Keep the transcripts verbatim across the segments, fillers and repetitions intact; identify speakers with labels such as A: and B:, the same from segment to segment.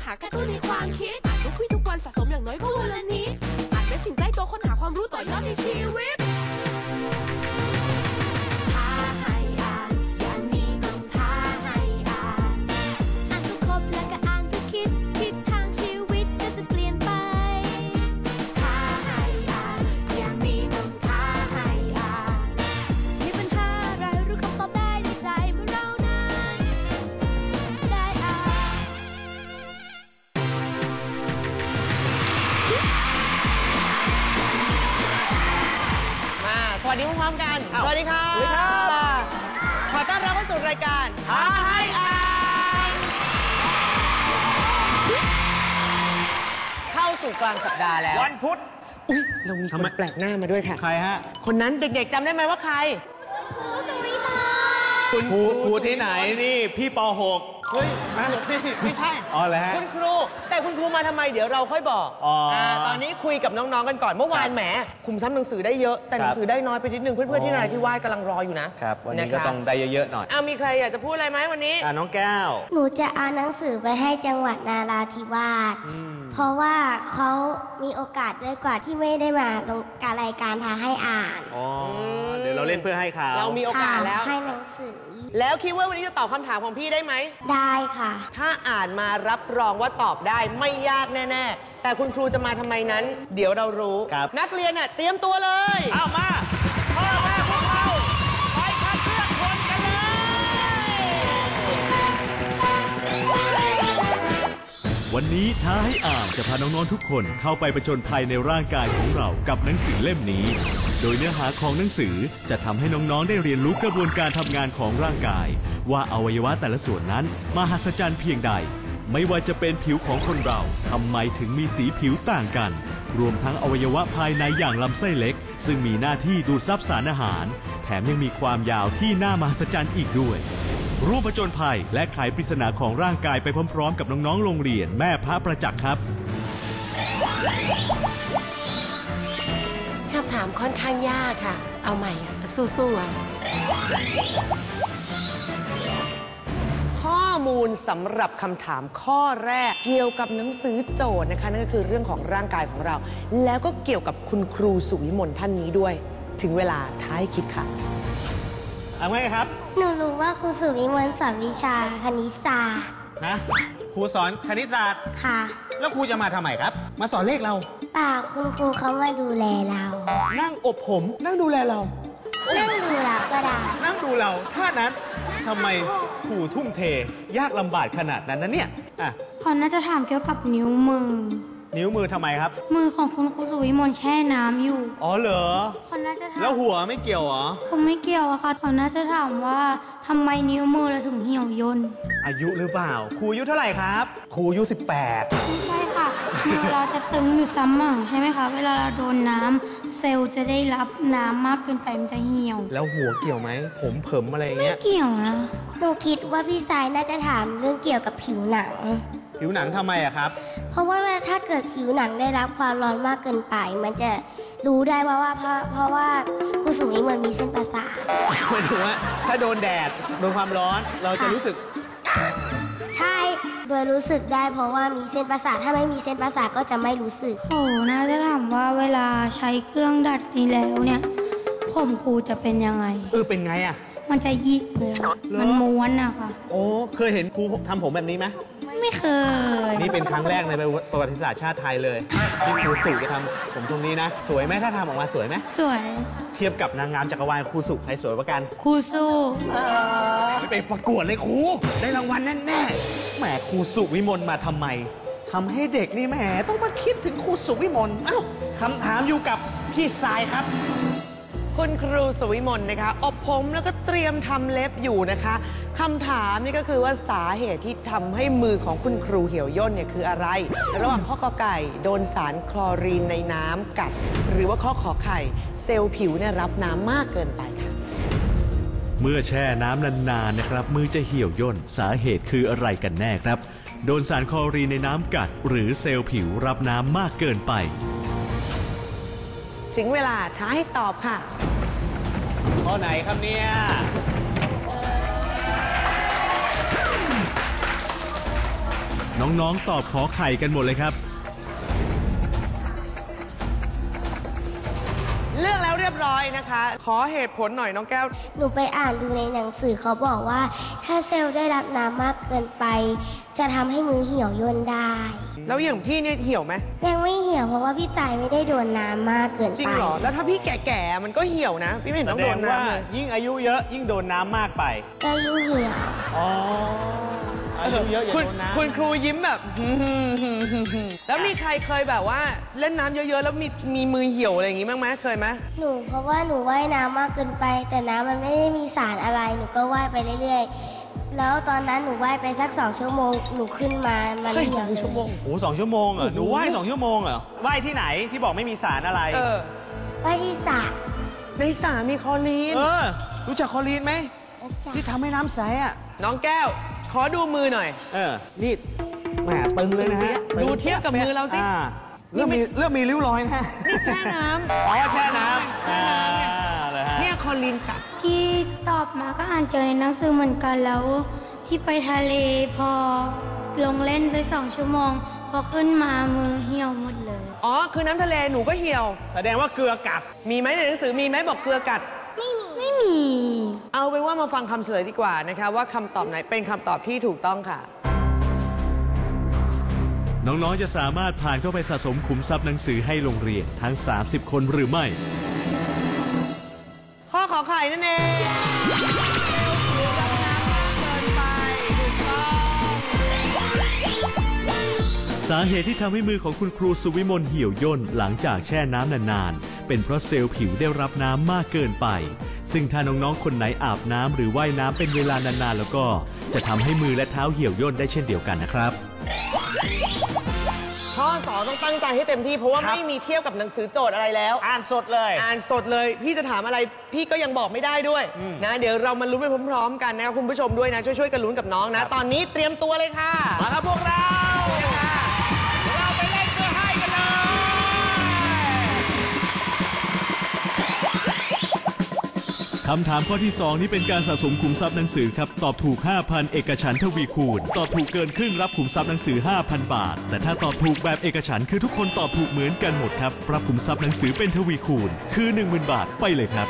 A: หากระตุ้นในความคิดอ่านทุกคุยทุกวันสะสมอย่างน้อยก็วันละนิดอ่านเป็นสิ่งใกล้ตัวค้นหาความรู้ต่อยอดในชีวิตท้าให้อ่านอย่างนี้ต้องท้าให้อ่านอ่านทุกครบแล้วก็อ่านทุกคิดทิศทางชีวิตก็จะเปลี่ยนไปท้าให้อ่านอย่างนี้ต้องท้าให้อ่านมีปัญหาอะไรรู้คำตอบได้ในใจเมื่อเรานั้นได้อ่าน
B: สวัสดีพร้อมๆกันสวัสดีค่ะสวัสดีครับขอต้อนรับเข้าสู่รายการท้าให้อ่านเข้าสู่กลางสัปดาห์แล้ว
C: วันพุธ
B: อุ๊ยเรามีคนแปลกหน้ามาด้วยค่ะ
C: ใครฮะ
B: คนนั้นเด็กๆจำได้ไหมว่าใคร
C: คุณครูครูที่ไหนนี่พี่ป หก
B: เฮ้ยไม่ใช่
C: อ๋อแล้ว
B: คุณครูแต่คุณครูมาทำไมเดี๋ยวเราค่อยบอกอ๋อตอนนี้คุยกับน้องๆกันก่อนเมื่อวานแหมคุมซ้ำหนังสือได้เยอะแต่หนังสือได้น้อยไปนิดนึงเพื่อนๆที่นราธิวาสกำลังรออยู่นะครับ
C: วันนี้ก็ต้องได้เยอะๆหน่อย
B: อ่ะมีใครอยากจะพูดอะไรไหมวันนี้
C: อ่ะน้องแก้ว
D: หนูจะเอาหนังสือไปให้จังหวัดนราธิวาสเพราะว่าเขามีโอกาสด้วยกว่าที่ไม่ได้มาลงการรายการท้าให้อ่าน
C: อ๋อเดี๋ยวเราเล่นเพื่อให้เขา
B: เรามีโอกาสแล้ว
D: ให้หนังสือ
B: แล้วคิดว่าวันนี้จะตอบคำถามของพี่ได้ไหม
D: ได้ค่ะ
B: ถ้าอ่านมารับรองว่าตอบได้ไม่ยากแน่ๆแต่คุณครูจะมาทำไมนั้นเดี๋ยวเรารู้นักเรียนน่ะเตรียมตัวเลย
C: เอามาพ่อแม่พวกเราไปคัดเลือกคนกันเลย
E: วันนี้ท้าให้อ่านจะพาน้องๆทุกคนเข้าไปผจญภัยในร่างกายของเรากับหนังสือเล่มนี้โดยเนื้อหาของหนังสือจะทำให้น้องๆได้เรียนรู้กระบวนการทำงานของร่างกายว่าอวัยวะแต่ละส่วนนั้นมหัศจรรย์เพียงใดไม่ว่าจะเป็นผิวของคนเราทำไมถึงมีสีผิวต่างกันรวมทั้งอวัยวะภายในอย่างลำไส้เล็กซึ่งมีหน้าที่ดูดซับสารอาหารแถมยังมีความยาวที่น่ามหัศจรรย์อีกด้วยร่วมผจญภัยและไขปริศนาของร่างกายไปพร้อมๆกับน้องๆโรงเรียนแม่พระประจักษ์ครับ
A: คำถามค่อนข้างยากค่ะเอาใหม่สู้ๆ
B: ข้อมูลสำหรับคำถามข้อแรกเกี่ยวกับหนังสือโจทย์นะคะนั่นก็คือเรื่องของร่างกายของเราแล้วก็เกี่ยวกับคุณครูสุวิมลท่านนี้ด้วยถึงเวลาท้ายคิดค่ะ
C: เอาไงครับ
D: หนูรู้ว่าครูสุวิมลสอนวิชาคณิตศาสตร์
C: นะครูสอนคณิตศาสตร์
D: ค่ะ
C: แล้วครูจะมาทำไมครับมาสอนเลขเรา
D: เปล่าคุณครูเขามาดูแลเรา
C: นั่งอบผมนั่งดูแลเรา
D: นั่งดูเราก็ได้
C: นั่งดูเราท่านั้นทำไมครูทุ่มเทยากลำบากขนาดนั้นนะเนี่ยอ่ะ
F: เขาน่าจะถามเกี่ยวกับนิ้วมือ
C: นิ้วมือทำไมครับ
F: มือของคุณครูสุวิมลแช่น้ำอยู่
C: อ๋อเหรอ
F: เขาน่าจะถาม
C: แล้วหัวไม่เกี่ยวเหรอ
F: คงไม่เกี่ยวอะค่ะเขาน่าจะถามว่าทำไมนิ้วมือเราถึงเหี่ยวย่น
C: อายุหรือเปล่าครูอายุเท่าไหร่ครับครูอายุสิบแปด
F: ไม่ใช่ค่ะมือเราจะตึงอยู่เสมอใช่ไหมคะเวลาเราโดนน้ำเซลล์จะได้รับน้ำมากเกินไปมันจะเหี่ยว
C: แล้วหัวเกี่ยวไหมผมเผิมอะไรเงี้ย
F: ไม่เกี่ยวนะ
D: หนูคิดว่าพี่สายน่าจะถามเรื่องเกี่ยวกับผิวหนัง
C: ผิวหนังทำไมอะครับ
D: เพราะว่าถ้าเกิดผิวหนังได้รับความร้อนมากเกินไปมันจะรู้ได้ว่าว่าเพราะเพราะว่าครูสุวิมลมีเส้นประสาท
C: หมายถึงว่าถ้าโดนแดดโดนความร้อนเราจะรู้สึก
D: ใช่โดยรู้สึกได้เพราะว่ามีเส้นประสาทถ้าไม่มีเส้นประสาทก็จะไม่รู้สึก
F: โอ้น่าจะถามว่าเวลาใช้เครื่องดัดนี้แล้วเนี่ยผมครูจะเป็นยังไง
C: เออเป็นไงอะ
F: มันจะยิกเลยมันม้วนอะค่ะ
C: โอ้เคยเห็นครูทำผมแบบนี้ไหม
F: ไม่เคย
C: นี่เป็นครั้งแรกในประวัติศาสตร์ชาติไทยเลยที่ครูสุจะทำผมตรงนี้นะสวยไหมถ้าทำออกมาสวยไหม
F: สวย
C: เทียบกับนางงามจักรวาลครูสุใครสวยกว่ากัน
F: ครูสุ
C: ไม่ไปประกวดเลยครูได้รางวัลแน่ๆแหมครูสุวิมลมาทำไมทำให้เด็กนี่แหมต้องมาคิดถึงครูสุวิมลเอ้าคำถามอยู่กับพี่ทรายครับ
B: คุณครูสุวิมลนะคะอบผมแล้วก็เตรียมทำเล็บอยู่นะคะคำถามนี่ก็คือว่าสาเหตุที่ทำให้มือของคุณครูเหี่ยวย่นเนี่ยคืออะไรระหว่างข้อกอไก่โดนสารคลอรีนในน้ำกัดหรือว่าข้อขอไข่เซลล์ผิวเนี่ยรับน้ำมากเกินไปค่ะ
E: เมื่อแช่น้ำนานๆนะครับมือจะเหี่ยวย่นสาเหตุคืออะไรกันแน่ครับโดนสารคลอรีนในน้ำกัดหรือเซลล์ผิวรับน้ำมากเกินไป
B: ถึงเวลาท้าให้ตอบค่ะ
C: ข้อไหนครับเนี่ย
E: น้องๆตอบขอไข่กันหมดเลยครับ
B: เลือกแล้วเรียบร้อยนะคะ ขอเหตุผลหน่อยน้องแก้ว
D: หนูไปอ่านดูในหนังสือเขาบอกว่า ถ้าเซลล์ได้รับน้ำมากเกินไป จะทำให้มือเหี่ยวย่นได้
B: แล้วอย่างพี่เนี่ยเหี่ยวไหม
D: ยังไม่เหี่ยวเพราะว่าพี่สายไม่ได้โดนน้ำมากเกินไป
B: จริงเหรอ แล้วถ้าพี่แก่ๆมันก็เหี่ยวนะ พี่ไม่เห็น
C: แส
B: ต้อง
C: ด
B: โด
C: ง
B: น
C: ว่า
B: น้ำเลย
C: ยิ่งอายุเยอะยิ่งโดนน้ำมากไป
D: ก็ยิ่งเหี่ยว
C: อ๋อ อายุเยอะอย่า
B: คุณ
C: โดนน้ำ
B: คุณครูยิ้มแบบ แล้วมีใครเคยแบบว่าเล่นน้ำเยอะๆแล้วมีมีมือเหี่ยวอะไรอย่างงี้บ้างไหมเคยไหม
D: หนูเพราะว่าหนูว่ายน้ำมากเกินไป แต่น้ำมันไม่ได้มีสารอะไร หนูก็ว่ายไปเรื่อยๆ แล้วตอนนั้นหนูว่ายไปสักสองชั่วโมง หนูขึ้นมา มัน
B: เฮ้ย
D: เหี่
B: ส
D: ย
B: อ
D: ว
B: งชั่วโมง
C: โอ้สองชั่วโมงเหรอหนูว่ายสองชั่วโมงเหรอว่ายที่ไหนที่บอกไม่มีสารอะไร
B: เออ
D: ว่ายที่สระ
B: ในสระมีคลอรีน
C: เออ รู้จักคลอรีนไหมที่ทำให้น้ำใสอ่ะ
B: น้องแก้ว ขอดูมือหน่อย
C: เออ นี่แหมตึงเลยนะฮะ
B: ดูเทียบกับมือเราสิ
C: อ่เริ่มมีเริ่มมีริ้วรอยนะฮะ
B: นี่แช่น้ำ
C: อ๋อแช่น้ำ
B: แช่น้ำเนี่ย
C: อ่าเลยฮะ
B: เนี่ยคลอรีนกัด
F: ที่ตอบมาก็อ่านเจอในหนังสือเหมือนกันแล้ว ที่ไปทะเลพอลงเล่นไปสองชั่วโมง พอขึ้นมามือเหี่ยวหมดเลย
B: อ๋อ คือน้ำทะเลหนูก็เหี่ยว
C: แสดงว่าเกลือกัด
B: มีไหมในหนังสือมีไหมบอกเกลือกัด
F: ไม่มี
B: เอาเป็นว่ามาฟังคำเฉลยดีกว่านะคะว่าคำตอบไหนเป็นคำตอบที่ถูกต้องค่ะ
E: น้องๆจะสามารถผ่านเข้าไปสะสมขุมทรัพย์หนังสือให้โรงเรียนทั้ง สามสิบ คนหรือไม่
B: ข้อขอไข่นั่นเองเซลล์ผิวดำน้ำมากเกินไปถูกต้อง
E: สาเหตุที่ทำให้มือของคุณครูสุวิมลเหี่ยวย่นหลังจากแช่น้ำนานๆเป็นเพราะเซลล์ผิวได้รับน้ำมากเกินไปซึ่งถ้าน้องๆคนไหนอาบน้ำหรือว่ายน้ำเป็นเวลานานๆแล้วก็จะทำให้มือและเท้าเหี่ยวย่นได้เช่นเดียวกันนะครับ
B: ข้อสองต้องตั้งใจให้เต็มที่เพราะว่า
C: ครับ
B: ไม่มีเทียบกับหนังสือโจทย์อะไรแล้ว
C: อ่านสดเลย
B: อ่านสดเลย พี่จะถามอะไรพี่ก็ยังบอกไม่ได้ด้วยนะเดี๋ยวเรามาลุ้นไปพร้อมๆกันนะครับคุณผู้ชมด้วยนะช่วยๆกันลุ้นกับน้องนะ ตอนนี้เตรียมตัวเลยค่ะ
C: มาครับพวกเรา เราไปเล่นเพื่อให้กันเลย
E: คำถามข้อที่สองนี้เป็นการสะสมขุมทรัพย์หนังสือครับตอบถูก ห้าพัน เอกฉันท์ทวีคูณตอบถูกเกินครึ่งรับขุมทรัพย์หนังสือ ห้าพัน บาท แต่ถ้าตอบถูกแบบเอกฉันท์คือทุกคนตอบถูกเหมือนกันหมดครับรับขุมทรัพย์หนังสือเป็นทวีคูณคือ หนึ่งหมื่น บาทไปเลยครับ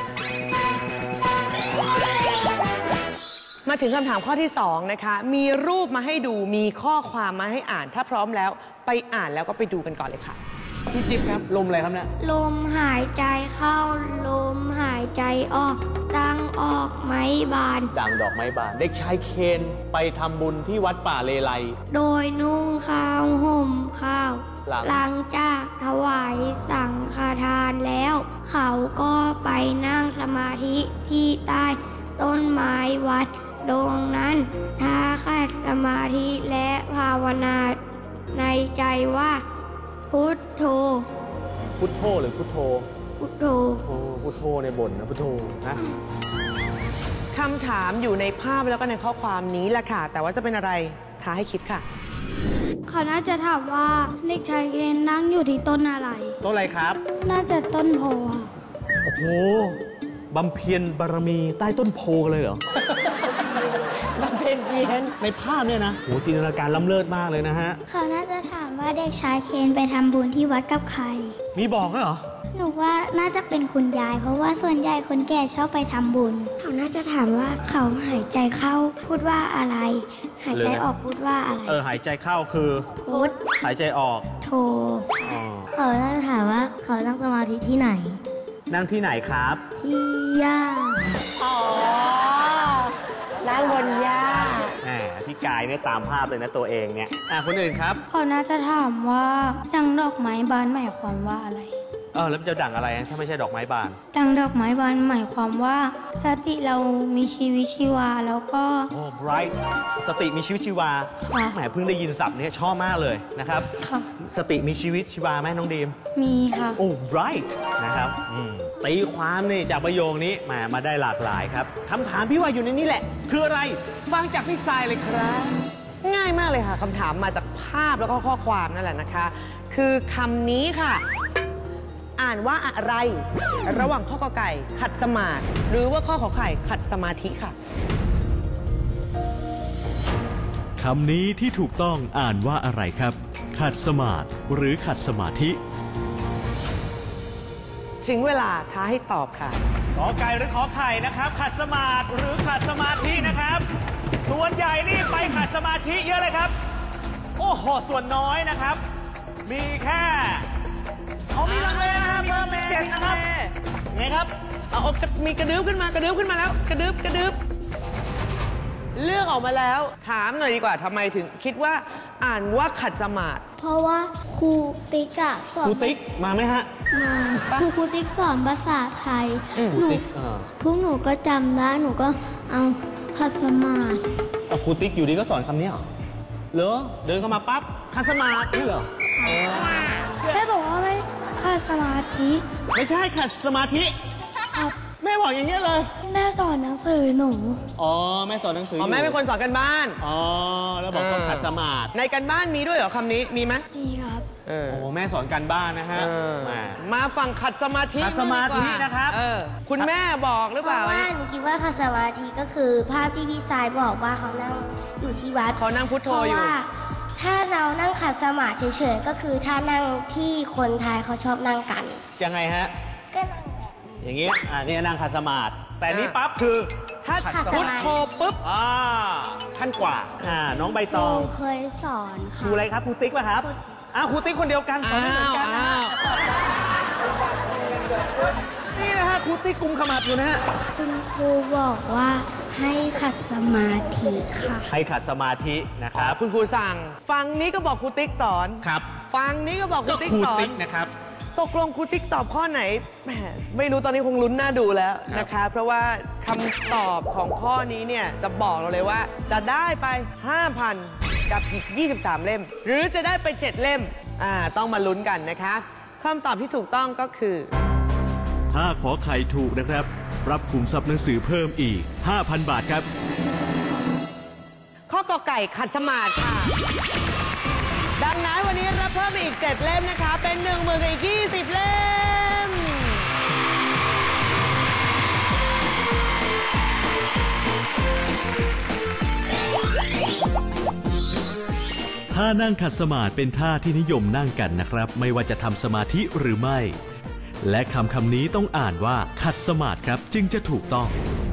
B: มาถึงคำถามข้อที่สองนะคะมีรูปมาให้ดูมีข้อความมาให้อ่านถ้าพร้อมแล้วไปอ่านแล้วก็ไปดูกันก่อนเลยค่ะ
C: พี่จิ๊บครับ ลมอะไรครับเนี่ย
F: ลมหายใจเข้า ลมหายใจออก ตั้งออกไม้บาน
C: ด่างดอกไม้บาน เด็กชายเคนไปทำบุญที่วัดป่าเลไล
F: โดยนุ่งข้าวห่มข้าว
C: หลัง
F: หลังจากถวายสังฆทานแล้ว เขาก็ไปนั่งสมาธิที่ใต้ต้นไม้วัดตรงนั้นท้าขัดสมาธิและภาวนาในใจว่าพุทโธ
C: พุทโธหรือพุทโธ
F: พุทโธ
C: โอ้พุทโธในบนนะพุทโธนะ
B: คำถามอยู่ในภาพแล้วก็ในข้อความนี้แหละค่ะ แต่ว่าจะเป็นอะไรท้าให้คิดค่ะ
F: เขาน่าจะถามว่าเด็กชายเคนนั่งอยู่ที่ต้นอะไร
C: ต้นอะไรครับ
F: น่าจะต้นโพค่ะ
C: โอ้โหบำเพ็ญบารมีใต้ต้นโพกันเลยเหรอ
B: บำเพ็ญเพียร
C: ในภาพเนี่ยนะโหจินตนาการล้ำเลิศมากเลยนะฮะ
D: เขาน่าจะถามว่าเด็กชายเคนไปทำบุญที่วัดกับใคร
C: มีบอกด้วยเหรอ
D: หนูว่าน่าจะเป็นคุณยาย เพราะว่าส่วนใหญ่คนแก่ชอบไปทำบุญ เขาน่าจะถามว่าเขาหายใจเข้าพูดว่าอะไร หายใจออกพูดว่าอะไร
C: เออหายใจเข้าคือ
D: พุทธ
C: หายใจออก
D: โธ
C: อ๋อ
D: เขาน่าจะถามว่าเขานั่งสมาธิที่ไหน
C: นั่งที่ไหนครับ
D: ที่ย่า
B: อ๋อนั่งบนหญ้า
C: แหมพี่กายเนี่ยตามภาพเลยนะตัวเองเนี่ยอ่ะคนอื่นครับ
F: เขาน่าจะถามว่าดังดอกไม้บานหมายความว่าอะไร
C: เออแล้วมันจะดั่งอะไรถ้าไม่ใช่ดอกไม้บาน
F: ดังดอกไม้บานหมายความว่าสติเรามีชีวิตชีวาแล้วก็
C: โอ้ bright สติมีชีวิตชีวา
F: ค่ะ
C: แหมเพิ่งได้ยินศัพท์เนี้ชอบมากเลยนะครับ
F: ค่ะ
C: สติมีชีวิตชีวาไหมน้องดีม
F: มีค่ะ
C: โอ้ bright นะครับอืมตีความนี่จากประโยคนี้มามาได้หลากหลายครับคำถามพี่ว่าอยู่ในนี้แหละ คืออะไรฟังจากพี่ทรายเลยครับ
B: ง่ายมากเลยค่ะคำถามมาจากภาพแล้วก็ข้อความนั่นแหละนะคะ คือคำนี้ค่ะ อ่านว่าอะไร ระหว่างข้อกอไก่ขัดสมาธิหรือว่าข้อขอไข่ขัดสมาธิค่ะ
E: คำนี้ที่ถูกต้องอ่านว่าอะไรครับขัดสมาธิหรือขัดสมาธิ
B: ถึงเวลาท้าให้ตอบค่ะ
C: ขอไก่หรือขอไข่นะครับขัดสมาธิหรือขัดสมาธินะครับส่วนใหญ่นี่ไปขัดสมาธิเยอะเลยครับโอ้โหส่วนน้อยนะครับมีแค่เอามีลังเลนะครับเพิ่มเป็นเจ็ดนะครับไงครับ
B: เอาเอามีกระดึ๊บขึ้นมากระดึ๊บขึ้นมาแล้วกระดึ๊บกระดึ๊บเลือกออกมาแล้วถามหน่อยดีกว่าทำไมถึงคิดว่าอ่านว่าขัดสมาธิ
D: เพราะว่าครูติ๊กอะสอน
C: ครูติ๊กมาไหมฮะ
D: มาครูครูติ๊กสอนภาษาไทย
C: หนู
D: พวกหนูก็จำได้หนูก็เอาขัดสมาธิ
C: ครูติ๊กอยู่ดีก็สอนคำนี้เหรอเหรอเดินเข้ามาปั๊บขัดสมาธินี่เหรอ
D: แม่บอกว่าไม่ขัดสมาธิ
C: ไม่ใช่ขัดสมาธิแม่บอกอย่างเงี้ยเลย
D: แม่สอนหนังสือหนู
C: อ๋อแม่สอนหนังสือ
B: อ๋อแม่เป็นคนสอนกันบ้าน
C: อ๋อแล้วบอกต้องขัดสมาธิ
B: ในกันบ้านมีด้วยเหรอคำนี้มีไหม
D: มีครับ
C: โอ้แม่สอนกันบ้านนะฮะ
B: มาฟังขัดสมาธิ
C: ขัดสมาธินะครับ
B: คุณแม่บอกหรือเปล่า
D: ว่าหนูคิดว่าขัดสมาธิก็คือภาพที่พี่ชายบอกว่าเขานั่งอยู่ที่วัด
B: เขานั่งพุทโธอยู่
D: เพราะว่าถ้าเรานั่งขัดสมาธิเฉยๆก็คือถ้านั่งที่คนไทยเขาชอบนั่งกัน
C: ยังไงฮะ
D: ก็นั่ง
C: อย่างงี้อ่านี่นั่งขัดสมาธิแต่นี้ปั๊บคือ
B: ถ้าพุทโธปุ๊บ
C: อ่าขั้นกว่าอ่าน้องใบตอง
D: เคยสอน
C: ครูอะไรครับครูติ๊กป่ะครับอ้าวครูติ๊กคนเดียวกันสอนไม่เหมือนกันนะนี่นะฮะครูติ๊กกุมขมับอยู่นะฮะ
D: คุณครูบอกว่าให้ขัดสมาธิค่ะ
C: ให้ขัดสมาธินะครับ
B: คุณครูสั่งฟังนี้ก็บอกครูติ๊กสอน
C: ครับ
B: ฟังนี้ก็บอกครูติ๊กสอน
C: นะครับ
B: ตกลงครูติ๊กตอบข้อไหนแหมไม่รู้ตอนนี้คงลุ้นหน้าดูแล้วนะคะเพราะว่าคำตอบของข้อนี้เนี่ยจะบอกเราเลยว่าจะได้ไป ห้าพัน กับอีกยี่สิบสามเล่มหรือจะได้ไปเจ็ดเล่มอ่าต้องมาลุ้นกันนะคะคำตอบที่ถูกต้องก็คือ
E: ถ้าขอไข่ถูกนะครับรับขุมทรัพย์หนังสือเพิ่มอีก ห้าพัน บาทครับ
B: ข้อกอไก่ขัดสมาธิค่ะดังนั้นวันนี้รับเพิ่มอีกเจ็ดเล่มนะคะเป็นหนึ่งหมื่นกับอีกยี่สิบเล่ม
E: ท่านั่งขัดสมาธิเป็นท่าที่นิยมนั่งกันนะครับไม่ว่าจะทำสมาธิหรือไม่และคำคำนี้ต้องอ่านว่าขัดสมาธิครับจึงจะถูกต้อง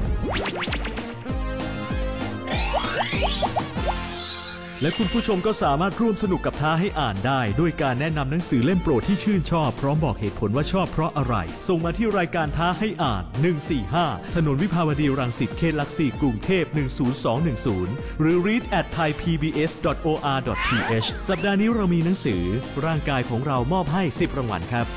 E: และคุณผู้ชมก็สามารถร่วมสนุกกับท้าให้อ่านได้ด้วยการแนะนำหนังสือเล่มโปรดที่ชื่นชอบพร้อมบอกเหตุผลว่าชอบเพราะอะไรส่งมาที่รายการท้าให้อ่านหนึ่งสี่ห้าถนนวิภาวดีรังสิตเขตหลักสี่กรุงเทพหนึ่งศูนย์สองหนึ่งศูนย์หรือ รีด แอท ไทยพีบีเอส ดอท โอ อาร์ ดอท ที เอช สัปดาห์นี้เรามีหนังสือร่างกายของเรามอบให้สิบรางวัลครับ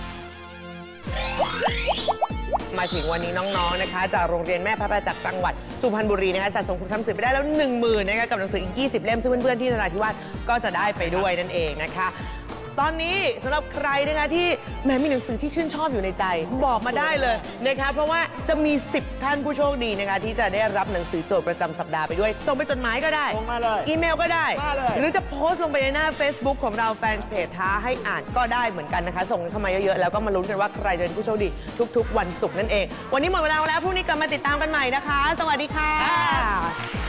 B: มาถึงวันนี้น้องๆนะคะจากโรงเรียนแม่พระประจักษ์จังหวัดสุพรรณบุรีนะคะสะสมคุณทรัพย์สื่อไปได้แล้วหนึ่งหมื่นนะคะกับหนังสืออีกยี่สิบเล่มซึ่งเพื่อนๆที่นราธิวาสก็จะได้ไปด้วยนั่นเองนะคะตอนนี้สำหรับใครนะคะที่แม้มีหนังสือที่ชื่นชอบอยู่ในใจบอกมาได้เลยนะคะเพราะว่าจะมีสิบท่านผู้โชคดีนะคะที่จะได้รับหนังสือโจทย์ประจำสัปดาห์ไปด้วยส่งไปจดหมายก็ได้
C: ส่งมาเลย
B: อีเมลก็ได้หรือจะโพสต์ลงไปในหน้า Facebook ของเราแฟนเพจท้าให้อ่านก็ได้เหมือนกันนะคะส่งเข้ามาเยอะๆแล้วก็มาลุ้นกันว่าใครจะเป็นผู้โชคดีทุกๆวันศุกร์นั่นเองวันนี้หมดเวลาแล้วพรุ่งนี้กลับมาติดตามกันใหม่นะคะสวัสดีค่ะ